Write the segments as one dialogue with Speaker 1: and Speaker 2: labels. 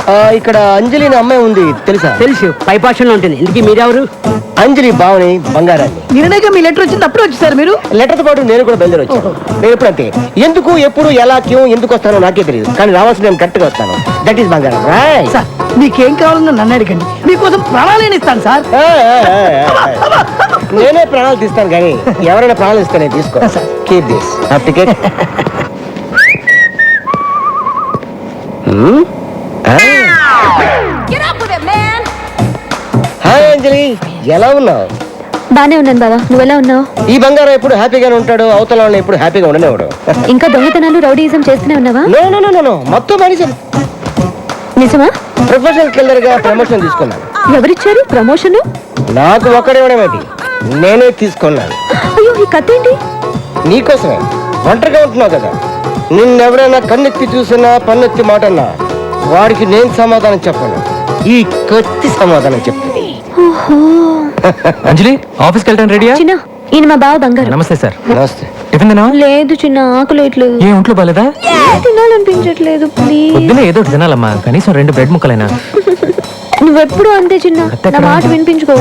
Speaker 1: ఇక్కడ అంజలి అనే అమ్మాయి ఉంది తెలుసా?
Speaker 2: తెలుసు, పైపాషన్లో ఉంటుంది. ఇందుకీ మీరెవరు?
Speaker 1: అంజలి బావని బంగారాన్ని.
Speaker 2: నిన్నగా మీ లెటర్ వచ్చింది, అప్పుడు వచ్చేసారు మీరు?
Speaker 1: లెటర్తో పాటు నేను కూడా బయలుదేరి వచ్చాను. నేను ఎప్పుడు అంతే, ఎందుకు ఎప్పుడు ఎలా క్యూ ఎందుకు వస్తానో నాకే తెలియదు, కానీ రావాల్సిన నేను కరెక్ట్ గా వస్తాను. దట్ ఈస్ బంగారం.
Speaker 2: సార్ మీకేం కావాలన్నా నన్ను అడగండి, మీకోసం ప్రాణాలు ఇస్తాను సార్.
Speaker 1: నేనే ప్రాణాలు తీస్తాను, కానీ ఎవరైనా ప్రాణాలు ఇస్తే నేను తీసుకో. Keep this ticket. Hi Anjali, ఎలా ఉన్నావు?
Speaker 3: బానే ఉన్నాను బావా, నువ్వెలా ఉన్నావు?
Speaker 1: ఈ బంగారం ఎప్పుడు హ్యాపీగానే ఉంటాడు, అవతల వాళ్ళని ఎప్పుడు హ్యాపీగా ఉండనివాడు.
Speaker 3: ఇంకా దొంగతనాలు రౌడీయిజం చేస్తూనే ఉన్నావా?
Speaker 1: నో మొత్తం మనిషి.
Speaker 3: నిజమా?
Speaker 1: ప్రొఫెషనల్ కిల్లర్ గా ప్రమోషన్ తీసుకున్నాను.
Speaker 3: ఎవరిచ్చారు ప్రమోషన్?
Speaker 1: నాకు ఒక్కడేమేంటి, నేనే తీసుకున్నాను.
Speaker 3: అయ్యో, ఈ కథ ఏంటి?
Speaker 1: నీకోసమే. ఒంటరిగా ఉంటున్నావు కదా, నిన్నెవరైనా కన్నెత్తి చూసినా పన్నెత్తి మాటన్నా వాడికి నేను సమాధానం చెప్పను, ఈ కత్తి సమాధానం చెప్తుంది.
Speaker 4: అంజలి, ఆఫీస్కి వెళ్ళడానికి రెడీయా?
Speaker 3: చిన్న, ఈయన మా బావ బంగారు.
Speaker 4: నమస్తే సార్.
Speaker 1: నమస్తే.
Speaker 4: టిఫిన్ తిన్నావా?
Speaker 3: లేదు చిన్న, ఆకలేట్లేదు.
Speaker 4: ఏ ఒంట్లో బాలేదా?
Speaker 3: తినాలనిపించట్లేదు, ప్లీజ్.
Speaker 4: పొద్దున ఏదో ఒకటి తినాలమ్మా, కనీసం 2 బ్రెడ్ ముక్కలైనా.
Speaker 3: నువ్వెప్పుడు అంతే చిన్న, నా మాట వినిపించుకో.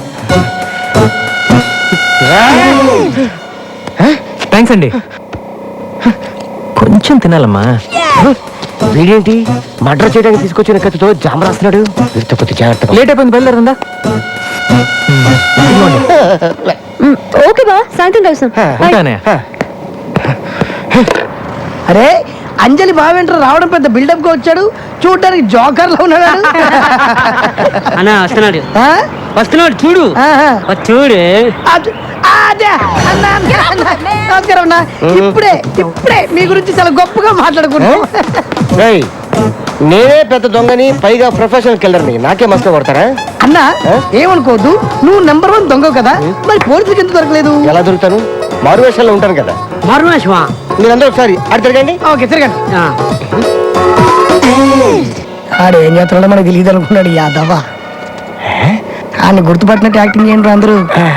Speaker 4: థ్యాంక్స్ అండి. కొంచెం తినాలమ్మా.
Speaker 1: వీడేంటి మర్డర్ చేయడానికి తీసుకొచ్చిన కత్తితో జామ రాస్తున్నాడు? వీరితో కొద్ది జాగ్రత్త.
Speaker 4: లేట్ అయిపోయింది, బయలుదేరుందా?
Speaker 3: ఓకే బా, సాయంత్రం కలుస్తాం.
Speaker 4: ఉంటానే.
Speaker 2: అరే అంజలి బావేంటారు రావడం పెద్ద బిల్డప్ గా వచ్చాడు, చూడడానికి జోకర్ లో ఉన్నాడు.
Speaker 5: అన్నా వస్తున్నాడు,
Speaker 2: ఆ?
Speaker 5: వస్తున్నాడు చూడు.
Speaker 2: ఆహా.
Speaker 5: చూడు
Speaker 2: అదే నమస్కారం అన్న. ఇప్పుడే మీ గురించి చాలా గొప్పగా మాట్లాడుకున్నాం.
Speaker 1: ఏయ్, నేనే పెద్ద దొంగని, పైగా ప్రొఫెషనల్ కిల్లర్ని, నాకే మస్తు కొడతారా?
Speaker 2: అన్నా ఏమనుకోవద్దు, నువ్వు నెంబర్ 1 దొంగ కదా, మరి పోలీసులకు ఎందుకు దొరకలేదు?
Speaker 1: ఎలా దొరుకుతాను? మారు వేషాల్లో ఉంటాను కదా.
Speaker 5: మరునాశమా?
Speaker 1: మీరందరూ ఒకసారి అటు తిరగండి.
Speaker 2: ఓకే తిరగండి. ఆడు ఏం చేస్తున్నాడో మనకు తెలియదు అనుకున్నాడు యాదవా. ఆయన గుర్తుపట్టినట్టు యాక్టింగ్ చేయండి అందరూ.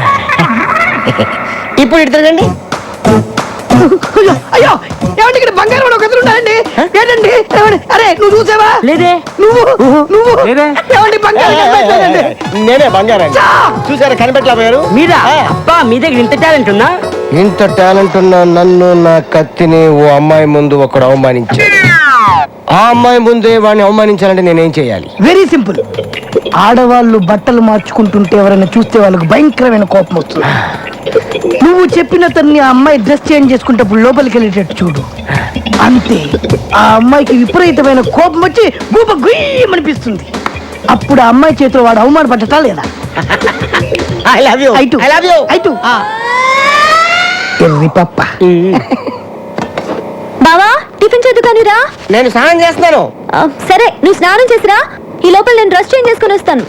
Speaker 1: ఇప్పుడు ఇటు తిరగండి.
Speaker 2: అయ్యో అయ్యో, ఏమండి ఇక్కడ బంగారం ఒక ఎదురు ఉన్నాయండి. ఏంటండి ఏమండి? అరే నువ్వు చూసావా?
Speaker 5: లేదే.
Speaker 2: నువ్వు
Speaker 4: లేదే.
Speaker 2: ఏమండి బంగారం కనిపించలేదండి.
Speaker 1: నేనే బంగారాన్ని. చూసారా, కనిపెట్టలేకపోయారు?
Speaker 5: మీరా? అబ్బా, మీ దగ్గర ఇంత టాలెంట్ ఉందా?
Speaker 1: ఇంత టాలెంట్ ఉన్న నన్ను, నా కత్తిని ఓ అమ్మాయి ముందు ఒకడు అవమానించాడు. ఆ అమ్మాయి ముందే వాడిని అవమానించాలంటే నేనేం చేయాలి?
Speaker 2: Very simple. ఆడవాళ్ళు బట్టలు మార్చుకుంటుంటే ఎవరైనా చూస్తే వాళ్ళకి భయంకరమైన కోపం వస్తుంది. నువ్వు చెప్పిన తన్ని ఆ అమ్మాయి డ్రెస్ చేంజ్ చేసుకుంటప్పుడు లోపలికి వెళ్ళేటట్టు చూడు, అంతే. ఆ అమ్మాయికి విపరీతమైన కోపం వచ్చి గూప గుయ్యమనిపిస్తుంది. అప్పుడు ఆ అమ్మాయి చేతిలో వాడు అవమానపడ్డటా లేదా?
Speaker 1: I love you.
Speaker 2: ఐటు.
Speaker 1: I love you.
Speaker 2: ఐటు. ఎర్రి పప్ప.
Speaker 3: బావా, టిఫిన్ చేద్దు కానీ రా.
Speaker 1: నేను స్నానం చేస్తున్నాను.
Speaker 3: సరే, నువ్వు స్నానం చేసిరా, ఈ లోపల నేను డ్రెస్ చేంజ్ చేసుకుని వస్తాను.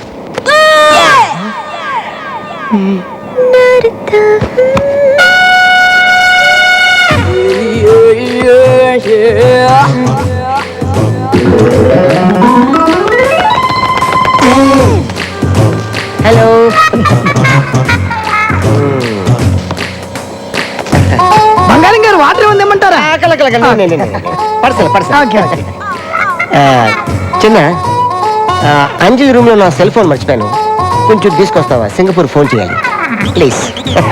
Speaker 1: హలో.
Speaker 2: బంగారం గారు వాటర్ ఏమైనా తెమ్మంటారా? Okay, okay.
Speaker 1: చిన్న, అంజలి రూమ్ లో నా సెల్ ఫోన్ మర్చిపోయాను, కొంచెం తీసుకొస్తావా? సింగపూర్ ఫోన్ చేయాలి ప్లీజ్.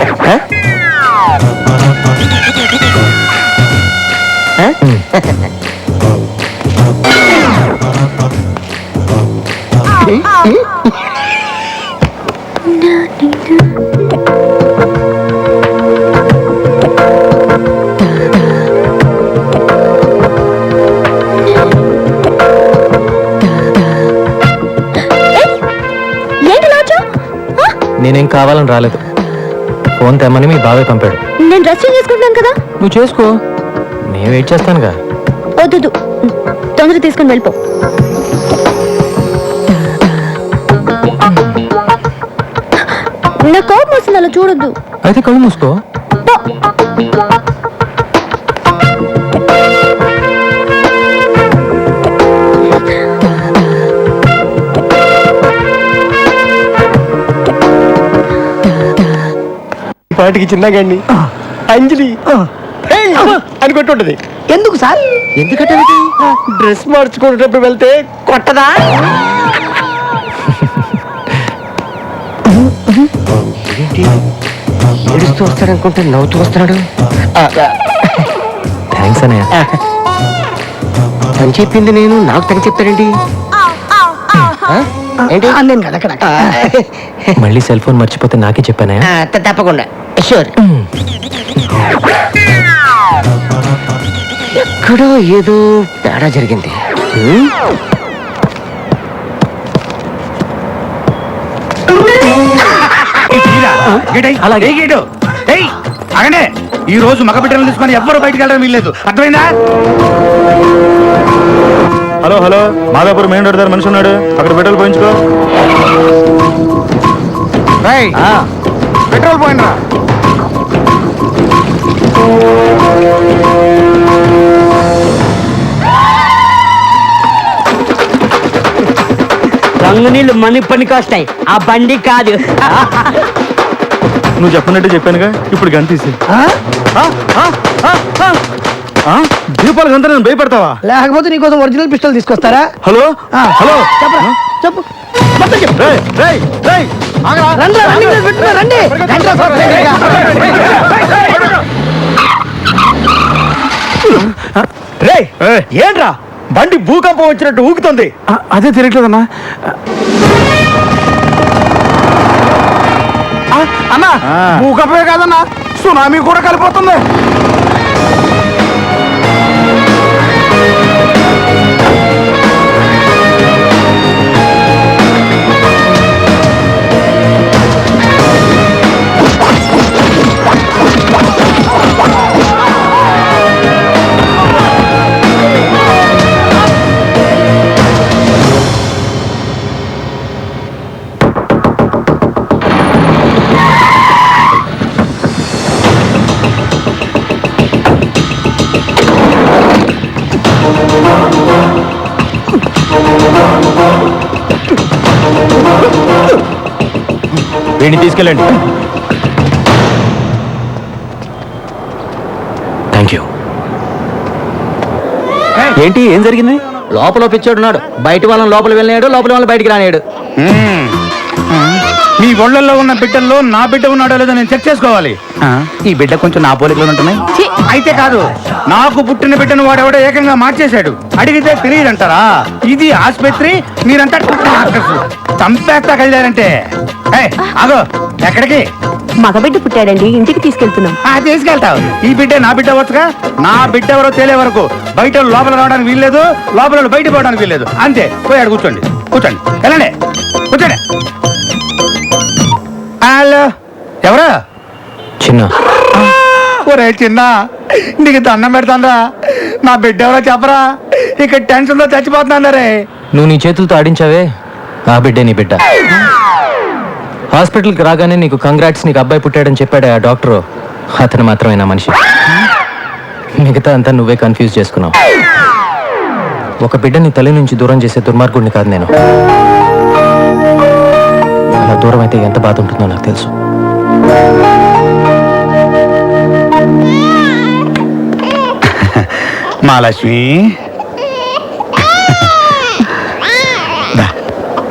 Speaker 4: నేనేం కావాలని రాలేదు, ఫోన్ తెమ్మని మీ బాబాయ్ పంపాడు.
Speaker 3: నేను డ్రెస్ చేంజ్ చేసుకుంటున్నాను కదా.
Speaker 4: నువ్వు చేసుకో, నేను వెయిట్ చేస్తానుగా.
Speaker 3: వద్దు, తొందర తీసుకుని వెళ్ళిపో. నా కోపం వస్తుంది, అలా చూడొద్దు.
Speaker 4: అయితే కళ్ళు మూసుకో.
Speaker 1: పాటికి చిన్నగాండి అంజలి అని కొట్టుంటది.
Speaker 2: ఎందుకు సార్?
Speaker 1: ఎందుకంటే డ్రెస్ మార్చుకునేటప్పుడు వెళ్తే
Speaker 5: కొట్టదా
Speaker 1: ఏంటి ఏడుస్తూ వస్తాడనుకుంటే నవ్వుతూ వస్తున్నాడు.
Speaker 4: థ్యాంక్స్ అన్నయ్య.
Speaker 1: తను చెప్పింది నేను నాకు తను చెప్తాడండి. ఆ? ఏంటి
Speaker 2: నేను కదా అక్కడ
Speaker 4: మళ్ళీ సెల్ ఫోన్ మర్చిపోతే నాకే చెప్పానయ్య.
Speaker 1: తప్పకుండా షూర్. ఎక్కడో ఏదో తేడా జరిగింది.
Speaker 6: అగనే ఈ రోజు మగ బిడ్డలను తీసుకొని ఎవ్వరు బయటికి వెళ్ళడం వీల్లేదు, అర్థమైందా? Hello hello, Madhapur main road దగ్గర మనిషి ఉన్నాడు, అక్కడ పెట్రోల్ పోయించుకో. పెట్రోల్ పోయినరా?
Speaker 5: రంగు నీళ్ళు మనకి పనికి వస్తాయి, ఆ బండి కాదు.
Speaker 6: నువ్వు చెప్పినట్టు చెప్పానుగా, ఇప్పుడు గంతీసి దీపాలు గంత నేను భయపడతావా?
Speaker 2: లేకపోతే నీకోసం ఒరిజినల్ పిస్టల్ తీసుకొస్తారా?
Speaker 6: హలో హలో,
Speaker 2: చెప్పరా చెప్పు మొత్తం చెప్పు.
Speaker 6: రేయ్, రేయ్, రేయ్, ఆగరా.
Speaker 2: రండి రన్నింగ్ రేస్ పెట్టుకో, రండి.
Speaker 6: రేయ్, ఏంట్రా బండి భూకంపం వచ్చినట్టు ఊగుతుంది? అదే తిరగట్లేదన్నా. అన్నా భూకంపమే కాదన్నా, సునామీ కూడా కలిపోతుంది. వీడిని తీసుకెళ్ళండి.
Speaker 4: Thank you. ఏంటి, ఏం జరిగింది?
Speaker 5: లోపల పిచ్చోడున్నాడు, బయట వాళ్ళని లోపల వెళ్ళినాడు, లోపల వాళ్ళని బయటికి రానాడు.
Speaker 6: మీ ఒళ్ళల్లో ఉన్న బిడ్డల్లో నా బిడ్డ ఉన్నాడో లేదో నేను చెక్ చేసుకోవాలి. ఈ బిడ్డ కొంచెం నా పోలికలు ఉంటున్నాయి. అయితే కాదు, నాకు పుట్టిన బిడ్డను వాడెవడో ఏకంగా మార్చేశాడు. అడిగితే తెలియదంటారా? ఇది ఆసుపత్రి, మీరంతా డాక్టర్స్. చంపేస్తా కలిదారంటే. ఆగో, ఎక్కడికి?
Speaker 3: మగబిడ్డ పుట్టాడండి, ఇంటికి తీసుకెళ్తున్నాం.
Speaker 6: తీసుకెళ్తావు. ఈ బిడ్డ నా బిడ్డ వచ్చుగా. నా బిడ్డ ఎవరో తేలే వరకు బయట లోపల రావడానికి వీల్లేదు, లోపల బయట పోవడానికి వీల్లేదు. అంతే. పోయాడు, కూర్చోండి కూర్చోండి, వెళ్ళండి కూర్చోండి. హలో, ఎవరు?
Speaker 4: చిన్న.
Speaker 6: ఒరే చిన్న, నీకు దండం పెడతాందా? నా బిడ్డ ఎవరో చెప్పరా? ఇక్కడ టెన్షన్ తో చచ్చిపోతున్నా రే.
Speaker 4: నువ్వు నీ చేతులతో ఆడించావే, ఆ బిడ్డే నీ బిడ్డ. హాస్పిటల్కి రాగానే నీకు కంగ్రాట్స్, నీకు అబ్బాయి పుట్టాడని చెప్పాడు ఆ డాక్టరు. అతను మాత్రమే నా మనిషి. మిగతా అంతా నువ్వే కన్ఫ్యూజ్ చేసుకున్నావు. ఒక బిడ్డని తల్లి నుంచి దూరం చేసే దుర్మార్గుడిని కాదు నేను. అలా దూరం అయితే ఎంత బాధ ఉంటుందో నాకు తెలుసు.
Speaker 6: మహాలక్ష్మి,